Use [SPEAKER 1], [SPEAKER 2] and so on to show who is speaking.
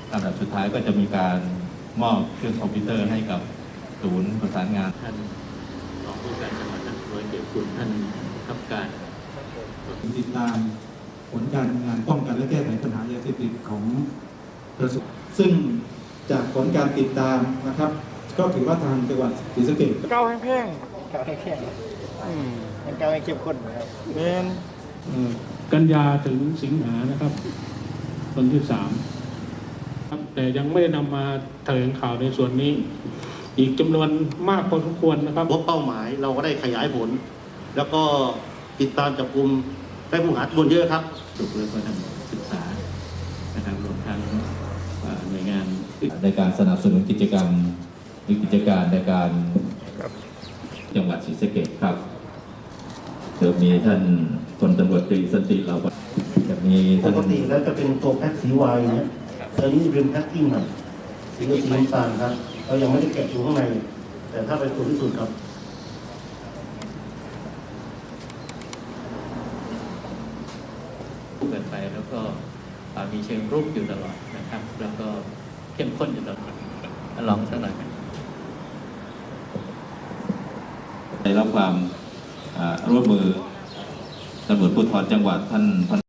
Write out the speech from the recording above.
[SPEAKER 1] ลำดับสุดท้ายก็จะมีการมอบเครื่องคอมพิวเตอร์ให้กับศูนย์ประสานงาน
[SPEAKER 2] ท่านรองผู้การจังหวัดท่านร้อยเกียรติคุณท่านทัพการ
[SPEAKER 3] ติดตามผลการงานป้องกันและแก้ไขปัญหายาเสพติดของกระทรวงซึ่งจากผลการติดตามนะครับก็ถือว่าทางจังหวัดศรีสะเกษ
[SPEAKER 4] เก้าแห้งๆเก้าแห้งๆมันเก้าแห้งเข้มข้นนะครับเป็น
[SPEAKER 5] กันยาถึงสิงหานะครับวันที่3ครับแต่ยังไม่ได้นำมาแถลงข่าวในส่วนนี้อีกจำนวนมากพอสมควรนะครับ
[SPEAKER 6] เป้าหมายเราก็ได้ขยายผลแล้วก็ติดตามจับกุมได้ผู้หาตัวเยอะครับ
[SPEAKER 2] สุขแล้วก็ทำศึกษานะครับรวมทั้งหน่วยงาน
[SPEAKER 1] ในการสนับสนุนกิจกรรมกิจการในการจังหวัดศรีสะเกษครับเดี๋ยวมีท่านพลตำรวจตรีสันติเราจะมี
[SPEAKER 6] ปกติแล้วจะเป็นตัวแพ็คสีวายเนี่ยตอนนี้เป็นแพ็คกิ้งใหม่สีน้ำตาลครับเรายังไม่ได้แกะอยู่ข้างในแต่ถ้าเป็นตัวที่สุดครับ
[SPEAKER 2] เกิดไปแล้วก็มีเชิงรุกอยู่ตลอดนะครับแล้วก็เข้มข้นอยู่ตลอดลองสักหน่อย
[SPEAKER 1] ได้รับความร่วมมือตำรวจภูธรจังหวัดท่าน